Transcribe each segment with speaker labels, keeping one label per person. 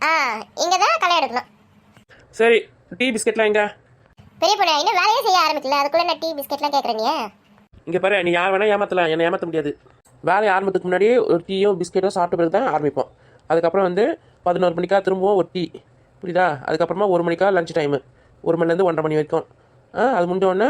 Speaker 1: ஆ இங்கே தான் களை எடுக்கணும்.
Speaker 2: சரி, டீ பிஸ்கெட்லாம் எங்க?
Speaker 1: பெரிய பொண்ணு இன்னும் வேலையே செய்ய ஆரம்பிக்கல, அதுக்குள்ளே நான் டீ பிஸ்கெட்லாம் கேட்குறீங்க?
Speaker 2: இங்கே பாரு, நீ யார் வேணால் ஏமாற்றலாம், என்னை ஏமாற்ற முடியாது. வேலையை ஆரம்பத்துக்கு முன்னாடியே ஒரு டீயும் பிஸ்கெட்டும் சாப்பிட்ட பிறகு தான் ஆரம்பிப்போம். அதுக்கப்புறம் வந்து 11 மணிக்கா திரும்பவும் ஒரு டீ, புரியுதா? அதுக்கப்புறமா 1 மணிக்கா லஞ்ச் டைமு, 1 மணிலேருந்து 1:30 மணி வரைக்கும். அது முடிஞ்சோடனே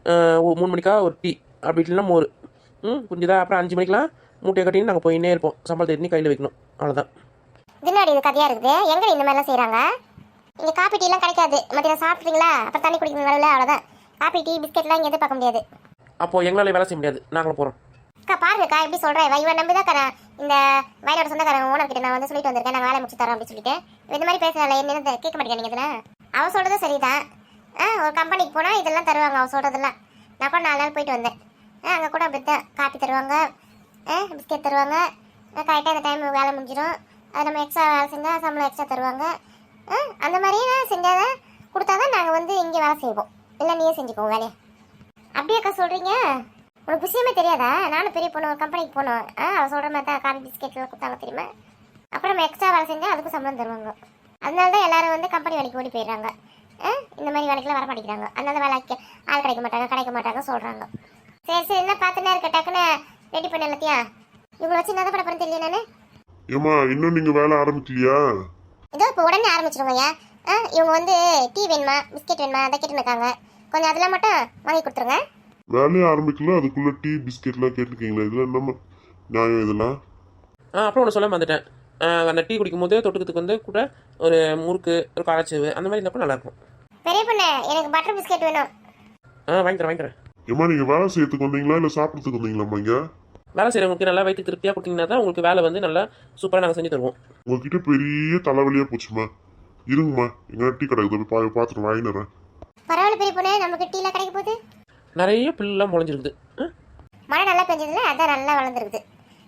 Speaker 2: 3 மணிக்கா ஒரு டீ, அப்படி இல்லைன்னா மோர். புரிஞ்சுதா? அப்புறம் 5 மணிக்கெலாம் மூட்டையை கட்டின்னு நாங்கள் போயின்னே இருப்போம். சம்பளத்தை எண்ணி கையில் வைக்கணும், அவ்வளோதான்.
Speaker 1: இதுனாடி இது கதையாக இருக்குது. எங்கே இந்த மாதிரிலாம் செய்கிறாங்க? இங்கே காப்பி டீலாம் கிடைக்காது. மத்தியானம் சாப்பிட்றீங்களா, அப்புறம் தண்ணி குடிக்கணும், அவ்வளோதான். காப்பி டீ பிஸ்கெட்லாம் இங்கே எதிர்பார்க்க முடியாது.
Speaker 2: அப்போது எங்களால் வேலை செய்ய முடியாது, நாங்களும் போகிறோம்.
Speaker 1: அக்கா பாருங்கக்கா எப்படி சொல்கிறேன். இவன் நம்பி தான் தரேன். இந்த வயலோட சொந்தக்காரன் ஓனர் கிட்ட நான் வந்து சொல்லிட்டு வந்திருக்கேன், நாங்கள் வேலை முடிச்சு தரோம் அப்படின்னு சொல்லிட்டு. இந்த மாதிரி பேசுகிறாள், என்ன கேட்க மாட்டேங்க இதில். அவள் சொல்கிறது சரிதான். ஒரு கம்பெனிக்கு போனால் இதெல்லாம் தருவாங்க, அவள் சொல்கிறதெல்லாம். நான் கூட 4 நாள் போயிட்டு வந்தேன். அங்கே கூட அப்படி தான் காப்பி தருவாங்க, பிஸ்கெட் தருவாங்க. கரெக்டாக இந்த டைம் வேலை முடிஞ்சிடும். அது நம்ம எக்ஸ்ட்ரா வேலை செஞ்சால் சம்பளம் எக்ஸ்ட்ரா தருவாங்க. அந்த மாதிரியே செஞ்சால் தான் கொடுத்தா தான் நாங்கள் வந்து இங்கே வேலை செய்வோம். இல்லை நீயே செஞ்சுப்போம் வேலையை. அப்படியேக்கா சொல்கிறீங்க? உனக்கு விஷயமே தெரியாதா? நானும் பெரிய பொண்ணு ஒரு கம்பெனிக்கு போனோம். அவள் சொல்கிற மாதிரி தான் காபி பிஸ்கெட்லாம் கொடுத்தாங்க தெரியுமா. அப்புறம் நம்ம எக்ஸ்ட்ரா வேலை செஞ்சால் அதுக்கும் சம்பளம் தருவாங்க. அதனால தான் எல்லாரும் வந்து கம்பெனி வேலைக்கு ஓடி போயிடுறாங்க. இந்த மாதிரி வேலைக்கெல்லாம் வர மாட்டேங்கிறாங்க. அதனால வேலைக்கு ஆள் கிடைக்க மாட்டாங்க சொல்கிறாங்க. சரி என்ன பார்த்துன்னா இருக்க, டக்குன்னு ரெடி பண்ண எல்லாத்தையும். இவங்களை வச்சு என்ன பண்ண போகிறேன்னு தெரியல நான்.
Speaker 3: ஏமா இன்னும் நீங்க வேலை ஆரம்பிக்கலையா?
Speaker 1: இதோ இப்போ உடனே ஆரம்பிச்சிருவோங்க. இவங்க வந்து டீ வேணுமா பிஸ்கெட் வேணுமா அதை கேட்டுன்னு இருக்காங்க. கொஞ்சம் அதெல்லாம் மட்டும் வாங்கி கொடுத்துருங்க.
Speaker 3: வேலையை ஆரம்பிக்கல அதுக்குள்ள டீ பிஸ்கெட்லாம் கேட்டுருக்கீங்களா? இதுல நம்ம நியாயம் இதெல்லாம்.
Speaker 2: அப்புறம் ஒன்று சொல்ல வந்துட்டேன். அந்த டீ குடிக்கும் போது தொட்டுக்கிறதுக்கு வந்து கூட ஒரு முறுக்கு, ஒரு காராச்சேவு அந்த மாதிரி இருந்தால் நல்லாயிருக்கும்.
Speaker 1: பெரிய பொண்ணு எனக்கு பட்டர் பிஸ்கெட் வேணும்.
Speaker 2: வாங்கி தரேன்.
Speaker 3: ஏமா நீங்க வேலை செய்யறதுக்கு வந்தீங்களா இல்லை சாப்பிட்றதுக்கு வந்தீங்களாம்மா? இங்க
Speaker 2: வேலை செய்கிறவங்களுக்கு நல்லா வயிற்று திருப்தியாக கொடுத்தீங்கன்னா தான் உங்களுக்கு வேலை வந்து நல்லா சூப்பராக நாங்கள் செஞ்சு தருவோம்.
Speaker 3: உங்ககிட்ட பெரிய தலைவலியா போச்சுமா. இருங்கம்மா, எங்க டீ கிடைக்குது போய் பார்த்துட்டு வாங்கிடுறேன்.
Speaker 1: பரவாயில்ல பெரிய பொண்ணு, நமக்கு டீலாம் கிடைக்க போகுது.
Speaker 2: நிறைய பில்லாம் முளைஞ்சிருக்குது.
Speaker 1: மழை நல்லா பெஞ்சதுல அதான் நல்லா வளர்ந்துருக்குது.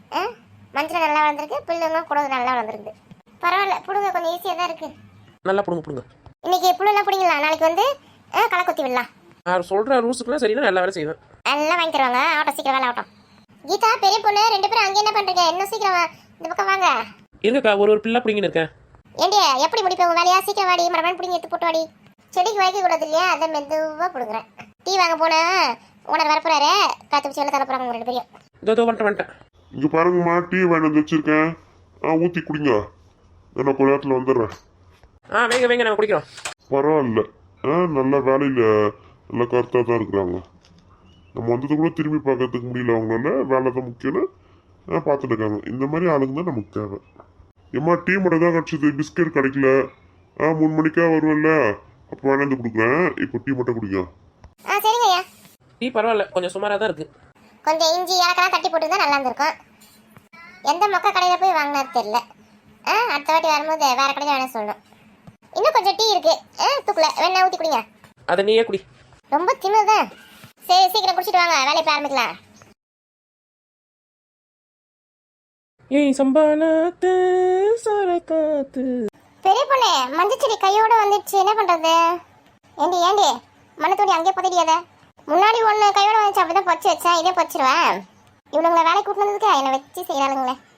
Speaker 1: மஞ்சள் நல்லா வளர்ந்துருக்கு, பிள்ளைங்க கூட நல்லா வளர்ந்துருக்குது. பரவாயில்ல பிடுங்க, கொஞ்சம் ஈஸியாக தான் இருக்குது.
Speaker 2: நல்லா பிடுங்க.
Speaker 1: இன்னைக்கு புள்ளெல்லாம் பிடிங்கலாம், நாளைக்கு வந்து களை கொத்தி விடலாம்.
Speaker 2: சொல்கிற ரூல்ஸுக்குலாம் சரினா நல்லா வேலை செய்வேன்.
Speaker 1: நல்லா வாங்கி தருவாங்க. ஆகட்டும், சீக்கிரம் வேலை ஆகட்டும். கீதா பெரிய பொண்ணு 2 பேரும் அங்கே என்ன பண்ணுறீங்க? இன்னும் சீக்கிரம் இந்த பக்கம் வாங்க.
Speaker 2: இருங்கக்கா, ஒரு பிள்ளை பிடிங்கின்னு இருக்கேன்.
Speaker 1: ஏண்டி எப்படி முடிப்பேன் வேலையா? சீக்கிரம் வாடி, மரமன் பிடிங்கி எடுத்து போட்டு வாடி. செடிக்கு வைக்க கூடாது இல்லையா, அதை மெதுவாக பிடுங்குறேன். டீ வாங்க போனேன், ஓனர் வரப்போறாரு. காற்று பிடிச்சி வெளில தர போகிறாங்க 2 பேரும்.
Speaker 2: இதோ வந்துட்டேன்.
Speaker 3: இங்க பாருங்கம்மா, டீ வாங்கி வந்து வச்சிருக்கேன். ஊற்றி குடிங்க, நான் கொஞ்ச நேரத்தில் வந்துடுறேன்.
Speaker 2: வேங்க நாங்கள் குடிக்கிறோம்.
Speaker 3: பரவாயில்ல, நல்ல வேலையில் நல்லா கருத்தாக தான் இருக்கிறாங்க. நம்ம வந்தது கூட திரும்பி பார்க்கறதுக்கு முடியல, அவங்களால வேலை தான் முக்கியம்னு பார்த்துட்டு இருக்காங்க. இந்த மாதிரி ஆளுங்க தான் நமக்கு தேவை. ஏம்மா டீ மட்டும் தான் கிடச்சிது, பிஸ்கெட் கிடைக்கல. 3 மணிக்கா வருவேன்ல, அப்போ வேணாந்து கொடுக்குறேன். இப்போ டீ மட்டும் குடிங்க.
Speaker 1: சரிங்க ஐயா.
Speaker 2: டீ பரவாயில்ல, கொஞ்சம் சுமாராக தான் இருக்குது.
Speaker 1: கொஞ்சம் இஞ்சி ஏலக்கெல்லாம் தட்டி போட்டு தான் நல்லா இருந்திருக்கும். எந்த மொக்க கடையில் போய் வாங்கினாரு தெரியல. அடுத்த வாட்டி வரும்போது வேற கடையில் வேணா சொல்லணும். இன்னும் கொஞ்சம் டீ இருக்கு, தூக்கல வேணா ஊற்றி குடிங்க.
Speaker 2: அதை நீயே குடி.
Speaker 1: ரொம்ப திமிருதான். சரி சீக்கிரம் குடிச்சிட்டு வாங்க, வேலையை போய் ஆரம்பிக்கலாம்.
Speaker 2: ஏய் சம்பானாத்து சரகாத்து.
Speaker 1: பெரிய பொண்ணு மஞ்சள் செடி கையோட வந்துடுச்சு, என்ன பண்றது? ஏண்டி மண்ணு தோண்டி அங்கேயே புதைடியாத. முன்னாடி ஒன்று கையோட வந்துச்சு, அப்படிதான் பொச்சு வச்சேன், இதே பொச்சிருவேன். இவனுங்களை வேலை கூட்டினதுக்கு என்னை வச்சு செய்யறாளுங்களே.